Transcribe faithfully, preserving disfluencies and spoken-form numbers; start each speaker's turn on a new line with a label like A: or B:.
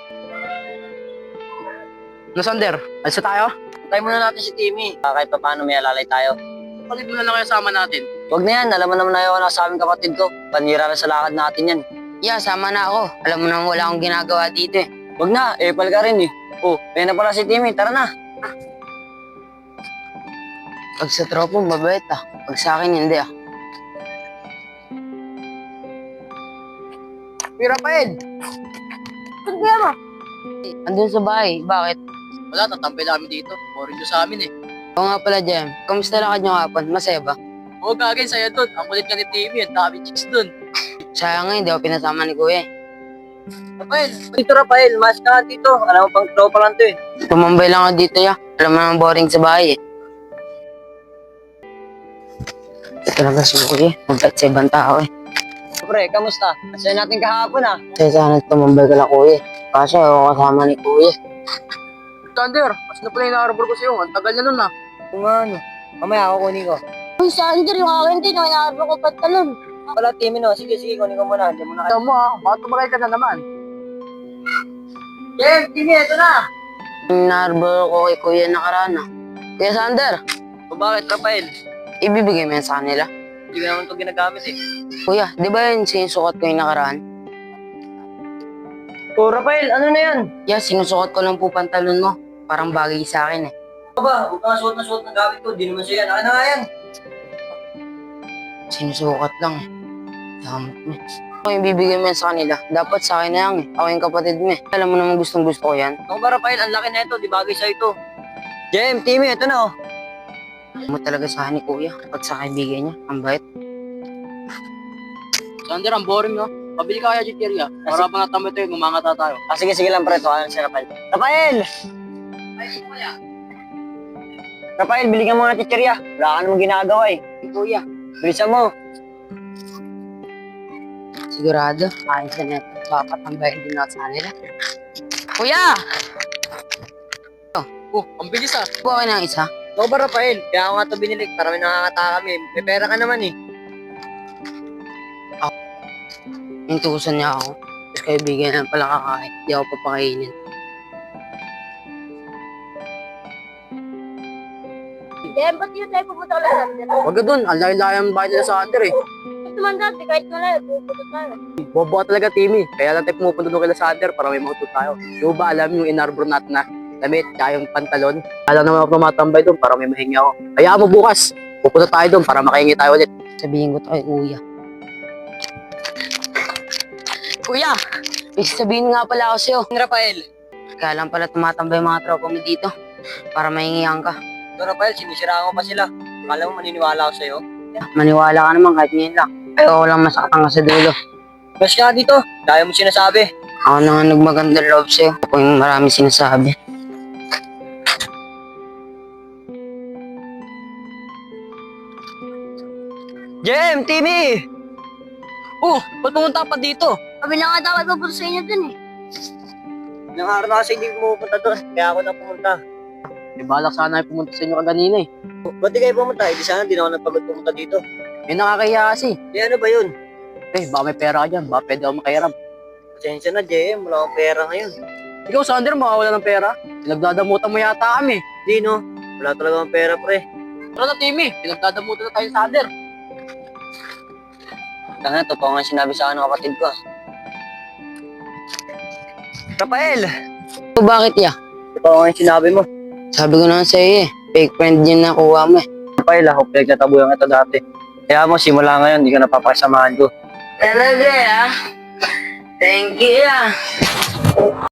A: No, Sander, alis na tayo?
B: Try muna natin si Timmy. Uh, kahit pa paano may alalay tayo.
A: Palit mo na lang kayo sama natin.
B: Huwag na yan, alam mo naman na yun sa aming kapatid ko. Panira na sa lakad natin yan.
C: Yeah, sama na ako. Alam mo naman wala akong ginagawa dito eh.
B: Huwag na, epal ka rin eh. Oh, kaya na pala si Timmy, tara na.
C: Pag sa tropa, mabait ah. Pag sa akin, hindi ah.
A: Kuya Rafael!
C: Ano ba mo? Andun sa bahay. Bakit?
A: Wala, tatampay namin dito. Boring nyo sa amin eh.
C: Oo nga pala, Jem. Kamusta lakad nyo kapon? Masaya ba?
A: Oo, gagawin sa'yo dun. Ang kulit ka ni Timmy, ang dami chicks dun.
C: Sayang nga, hindi ako pinasama ni Kuya eh.
B: Rafael, dito Rafael, mas ka dito. Alam mo pang tropa lang to eh.
C: Tumambay lang ako dito ya. Alam mo naman boring sa bahay eh. Ito talaga si Kuya. Mabait sa ibang tao eh.
B: Pre, kamusta? Masaya natin kahapon ah.
C: Kaya sana tumambay ka lang Kuya. Kasi ako kasama ni Kuya.
A: Sander, mas na pala inaarbor ko sa'yo. Ang tagal na nun ah.
B: Kung ano, mamaya ako kunin ko.
D: Uy, Sander, yung akin din, yung inaarbo ko pantalon.
B: Wala, Timmy no. Sige, sige, kunin ko muna. Hindi mo na.
A: Ayaw mo ah, baka tumakay ka na naman.
B: Jem, Timmy, ito na.
C: Narbor ko kay Kuya nakaraan ah. Kuya Sander,
B: O bakit, Rafael?
C: ibibigay mo yan sa kanila.
B: Hindi ko naman ito ginagamit eh.
C: Kuya, di ba yun sinusukat ko yung nakaraan?
B: O Rafael, ano na yan?
C: Yeah, sinusukat ko lang po pantalon mo. Parang bagay sa akin eh.
B: Ano ba? Huwag kang suot na suot ng gamit ko. Di naman siya yan. Akin na nga yan.
C: Sinusukat lang eh. Damot mo. Ako yung bibigay mo yan sa kanila. Dapat sa akin na yan eh. Ako yung kapatid mo eh. Alam mo naman gustong gusto ko yan.
B: Ako ba, Rafael? Ang laki na ito. Di bagay sa'yo ito. Jem, Timmy, ito na oh.
C: Alam mo talaga sa akin ni Kuya. Pag sa kaibigan niya, ang bait.
A: Sander, ang boring no? Pabili ka kaya chicheria. Para pa natambay tayo, gumangata tayo.
B: Ah, sige, sige lang, pre. Tuwalan si Rafael. Rafael! Rafael, bili ka mga chicheria. Wala ka namang ginagawa eh.
C: Kuya,
B: Bilisan mo.
C: sigurado. Ayos na neto. Dapat ang bayad din ako sa kanila. Kuya!
A: Oh, ang bilis ah.
C: Buhay na isa.
B: Ako ba, Rafael? Kaya ako nga ito binili para may nakakata kami. May pera ka naman eh.
C: Intusan niya ako. Tapos kaibigan na pala kakain. Di ako papakainin.
D: Jem, ba't yun tayo pupunta ka lang, Sander?
A: Wag ka dun, ang layo-layo ang bahay nila sa Sander eh.
D: Ito man dati, kahit malayo, pupunta tayo.
A: Bobo ka talaga, Timmy. Kaya lang tayo pumupunta doon kila Sander para may mautod tayo. Yung ba alam yung inarbor natin na damit, kaya yung pantalon. Alam naman ako tumatambay doon para may mahingi ako. Kaya mo bukas, pupunta tayo doon para makahingi tayo ulit.
C: Sabihin ko to kay Kuya. Kuya! May sabihin nga pala ako sa'yo.
B: Rafael.
C: Kaya lang pala tumatambay yung mga tropa mo dito. Para mahingihan ka.
B: So, Rafael, sinisiraan ko pa sila. Akala mo maniniwala ako sa'yo?
C: Maniwala ka naman kahit ngayon lang. Ayoko lang masaktan ka sa dulo.
B: Mas ka dito. Dahil mo sinasabi.
C: Ako na nga nagmagandang loob sa'yo. Ako yung marami sinasabi.
B: Jem, Timmy!
A: Oh, ba't pumunta pa dito?
D: Kami na nga dapat pupunta sa inyo dun eh.
B: Ilang araw na kasi hindi pumupunta doon. Kaya ako na pumunta.
A: Eh, balak sana ay pumunta sa inyo kaganina eh.
B: Ba't di kayo pumunta? Eh, di sana di na ako nagpagod pumunta dito.
A: Eh, nakakahiya kasi.
B: Eh, ano ba yun?
A: Eh, baka may pera ka dyan. Baka pwede ako makahiram.
B: Pasensya na, Jem. Wala akong pera ngayon.
A: Ikaw, Sander, makawala ng pera. Pinagdadamutan mo yata kami.
B: Di, no? Wala talaga akong pera, pre.
A: Tara na, Timmy. Pinagdadamutan na tayo sa Sander.
B: Tanga, totoo nga sinabi sa akin ng kapatid ko. ah. Rafael!
C: So bakit ya?
B: Totoo nga yung sinabi mo.
C: Sabi ko naman sa'yo eh. Fake friend yun na kuha mo eh.
B: Rafael, ako pinagtatabuyan ito dati. Kaya mo, simula ngayon, hindi ka napapakasamahan ko.
C: Talaga ah. Thank you ah.